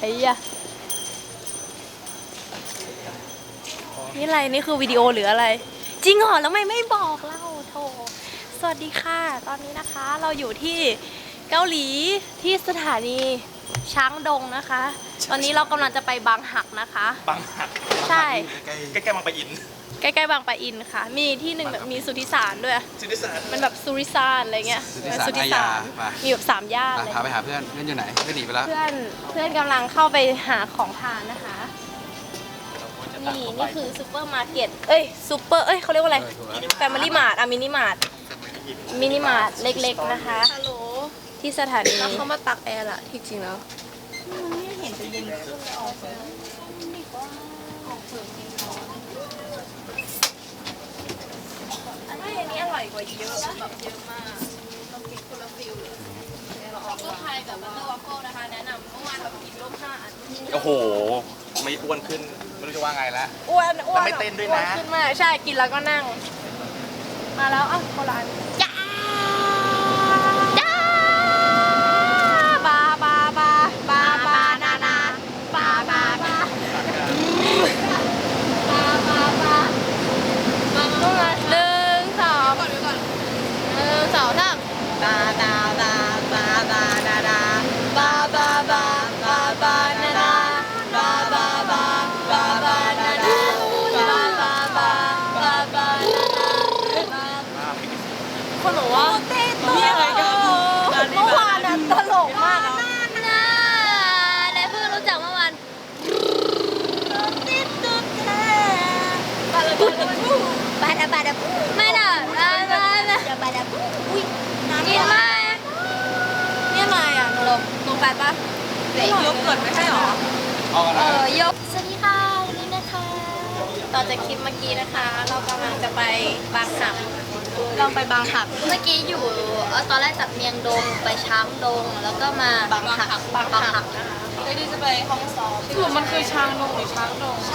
อ้ยะนี่อะไรนี่คือวิดีโอหรืออะไรจริงเหรอแล้วไม่บอกเล่าโถสวัสดีค่ะตอนนี้นะคะเราอยู่ที่เกาหลีที่สถานีช้างดงนะคะตอนนี้เรากำลังจะไปบางหักนะคะบางหักใช่ใกล้ๆบางปะอินใกล้ๆบางปะอินค่ะมีที่หนึ่งแบบมีสุทธิสารด้วยสุทธิสารมันแบบสุริสารอะไรเงี้ยสุทธิสารมีแบบ3 ย่านเลยพาไปหาเพื่อนอยู่ไหนเพื่อนหนีไปแล้วเพื่อนกำลังเข้าไปหาของทานนะคะนี่คือซูเปอร์มาร์เก็ตซูเปอร์เขาเรียกว่าอะไรแฟมิลี่มาร์ทมินิมาร์ทเล็กๆนะคะฮัลโหลที่สถานีแล้วเขามาตักแอร์ล่ะที่จริงแล้วไม่เห็นจะเย็นขึ้นเลยออกเลยอันนี้อร่อยกว่าเยอะแบบเยอะมากต้องกินคนละฟิลเลยก็ไทยกับบัตเตอร์วัฟเฟิลนะคะแนะนำเมื่อวานเรากินร่วม5 อันโอ้โหไม่อ้วนขึ้นไม่รู้จะว่าไงแล้วอ้วนไม่เต้นด้วยนะขึ้นมาใช่กินแล้วก็นั่งมาแล้วโบราณจ้านาบา1 2 3บานานาบานานาบานานาคนบอกว่านี่อะไรกันเมื่อวานน่ะตลกมากนะได้เพิ่งรู้จักเมื่อวานบาดาไม่น่ะบาดาอุ้ยกินมากนี่อะไรอ่ะนมแปดปะยกเกิดไม่ใช่หรอยกสวัสดีค่ะวันนี้นะคะต่อจากคลิปเมื่อกี้นะคะเรากำลังจะไปบางหักลองไปบางหักเมื่อกี้อยู่ตอนแรกจากเมียงดงไปช้างดงแล้วก็มาบางหักนะคะแล้วดีจะไปห้องซ้อมคือมันคือช้างดงหรือช้างดง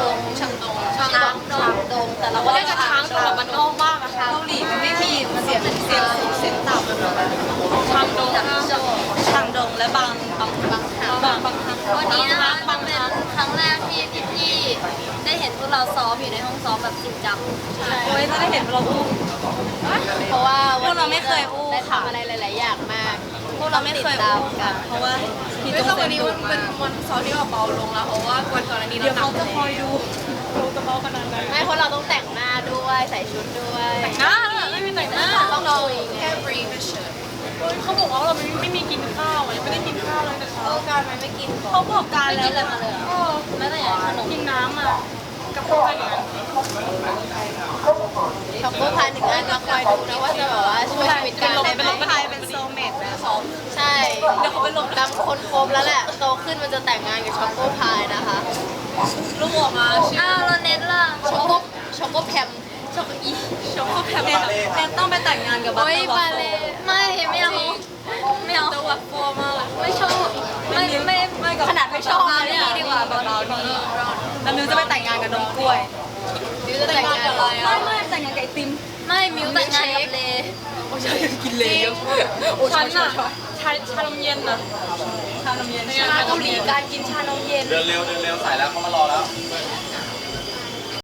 แต่เราก็เรียกช้างดงแบบมันนอกมากอะเกาหลีมันไม่มีมันเสียต่ำช้างดงและบางหักวันนี้นะคะมันเป็นครั้งแรกที่พี่ได้เห็นพวกเราซ้อมอยู่ในห้องซ้อมแบบจริงจังโอ้ยจะได้เห็นเราอุ้มเพราะว่าพวกเราไม่เคยอุ้มได้ทำอะไรหลายๆอย่างมากพวกเราไม่เคยอุ้มกันเพราะว่าไม่ต้องวันนี้เป็นวันซ้อมที่เราเบาลงแล้วเพราะว่าวันก่อนอันนี้เราเขาจะคอยดูเราจะเบาขนาดไหนไม่เพราะเราต้องแต่งหน้าด้วยใส่ชุดด้วยแต่งหน้าไม่มีแต่งหน้าต้องคุยไงแค่บรีฟเฉยเขาบอกว่าเราไม่มีกินข้าวไม่ได้กินข้าวเลยแต่เช้าการไม่กินเขาบอกการแล้วไม่กินอะไรมาเลยไม่แต่อย่างขนมกินน้ำอ่ะกับข้าวอะไรอย่างเงี้ยช็อกโกพาย1 อันมาคอยดูนะว่าจะแบบว่าช่วยชีวิตกันได้ไหมเป็นโซเมตนะใช่เดี๋ยวเขาไปลงดำคนครบแล้วแหละโตขึ้นมันจะแต่งงานกับช็อกโกพายนะคะลูกออกมาเราเน็ตล่ะช็อกโกแพมช็อกโกเนี่ยต้องไปแต่งงานกับบัตเตอร์วัฟเฟิลไม่เอาบัตเตอร์วัฟเฟิลมากไม่ชอบไม่ขนาดไม่ชอบนี่ดีกว่าตอนนี้แล้วมิวจะไปแต่งงานกับนมกล้วยมิวจะแต่งงานกับอะไรไม่แต่งงานกับไอติมไม่มิวแต่งงานกับเลโอ้ใช่กินเลเยอะฉันอะชานมเย็นนะชานมเย็นชาเกาหลีการกินชานมเย็นเดินเร็วสายแล้วเขามารอแล้ว